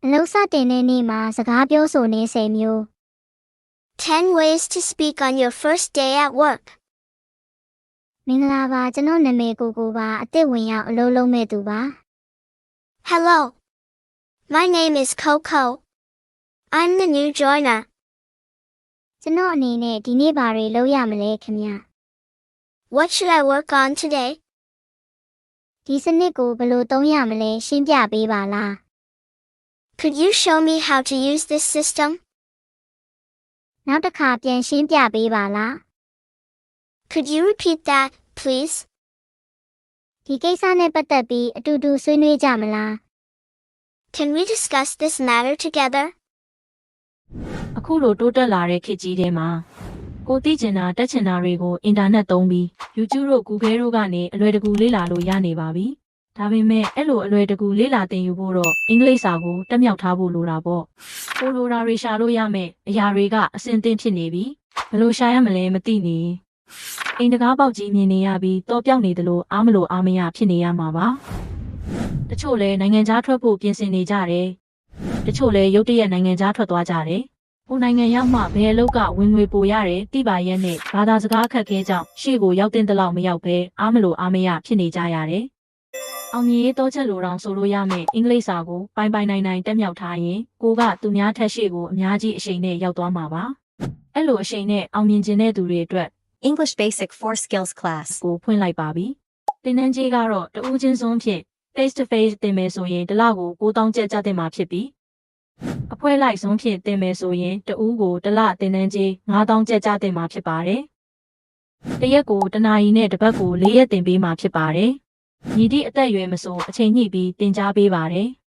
အလုပ်စတင်တဲ့နေ့မှာစကားပြောဆိုနေ10မျိုး 10 ways to speak on your first day at work. မင်္ဂလာပါကျွန်တော်နာမည်ကိုပါအသစ်ဝင်ရောက်အလုပ်လုပ်မဲ့သူပါ Hello. My name is Coco. I'm the new joiner. ကျွန်တော်အနေနဲ့ဒီနေ့ဘာတွေလုပ်ရမလဲခင်ဗျာ What should I work on today? ဒီစနစ်ကိုဘယ်လိုသုံးရမလဲရှင်းပြပေးပါလား Could you show me how to use this system? နောက်တစ်ခါပြန်ရှင်းပြပေးပါလား Could you repeat that, please? ဒီကိစ္စနဲ့ပတ်သက်ပြီးအတူတူဆွေးနွေးကြမလား Can we discuss this matter together? အခုလိုတိုးတက်လာတဲ့ခေတ်ကြီးထဲမှာကိုသိကျင်တာတက်ချင်တာတွေကိုအင်တာနက်သုံးပြီး YouTube တို့ Google တို့ကနေအလွယ်တကူလေ့လာလို့ရနေပါပြီ။ဒါပေမဲ့အဲ့လိုအလွယ်တကူလေ့လာသင်ယူဖို့တော့အင်္ဂလိပ်စာကိုတက်မြောက်ထားဖို့လိုတာပေါ့။ကိုလိုရာတွေရှာလို့ရမယ်အရာတွေကအဆင်သင့်ဖြစ်နေပြီ။ဘယ်လိုရှာရမလဲမသိနေ။အိမ်တကားပေါက်ကြီးမြင်နေရပြီးတော့ပြောက်နေသလိုအားမလို့အားမရဖြစ်နေရမှာပါ။တချို့လဲနိုင်ငံခြားထွက်ဖို့ပြင်ဆင်နေကြတယ်။တချို့လဲရုတ်တရက်နိုင်ငံခြားထွက်သွားကြတယ်။ဟိုနိုင်ငံရောက်မှဘယ်အလုပ်ကဝင်ငွေပိုရတယ်တိပါရက်နဲ့ဘာသာစကားအခက်ခဲကြောင့်ရှေ့ကိုရောက်တဲ့လောက်မရောက်ပဲအားမလို့အားမရဖြစ်နေကြရတယ်။အောင်မြင်ရေးတော့ချက်လိုတောင်ဆိုလို့ရမယ်အင်္ဂလိပ်စာကိုပိုင်နိုင်တက်မြောက်ထားရင်ကိုကသူများထက်ရှေ့ကိုအများကြီးအရှိန်နဲ့ရောက်သွားမှာပါ။အဲ့လိုအရှိန်နဲ့အောင်မြင်ခြင်းတဲ့သူတွေအတွက် English Basic 4 Skills Class ကိုဖွင့်လိုက်ပါပြီ။သင်တန်းကြီးကတော့တဦးချင်းစွန်းဖြင့် face to face သင်မယ်ဆိုရင်တစ်လကို9000ကျပ်ကျတင်မှာဖြစ်ပြီးအဖွဲလိုက်ဆုံးဖြင့်တင်မယ်ဆိုရင်တဦးကိုတစ်လတင်တန်းကြီး9000ကျပ်ကျတင်မှာဖြစ်ပါတယ်။တစ်ရက်ကိုတစ်နာရီနဲ့တစ်ပတ်ကို4ရက်တင်ပေးမှာဖြစ်ပါတယ်။ညီတိအသက်အရွယ်မဆိုအချိန်ညှိပြီးတင် जा ပေးပါတယ်။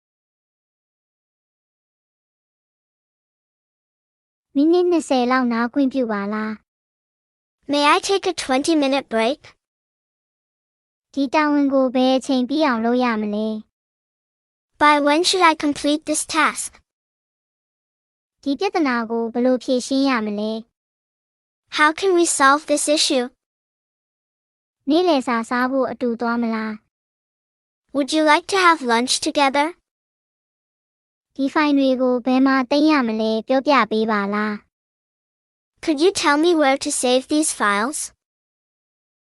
မိနစ်20လောက်နားခွင့်ပြုပါလား May I take a 20-minute break? ဒီတာဝန်ကိုဘယ်အချိန်ပြီးအောင်လုပ်ရမလဲ By when should I complete this task? ဒီပြဿနာကိုဘယ်လိုဖြေရှင်းရမလဲ How can we solve this issue? နေ့လယ်စာစားဖို့အတူသွားမလား Would you like to have lunch together? ဒီဖိုင်တွေကိုဘယ်မှာသိမ်းရမလဲပြောပြပေးပါလား Could you tell me where to save these files?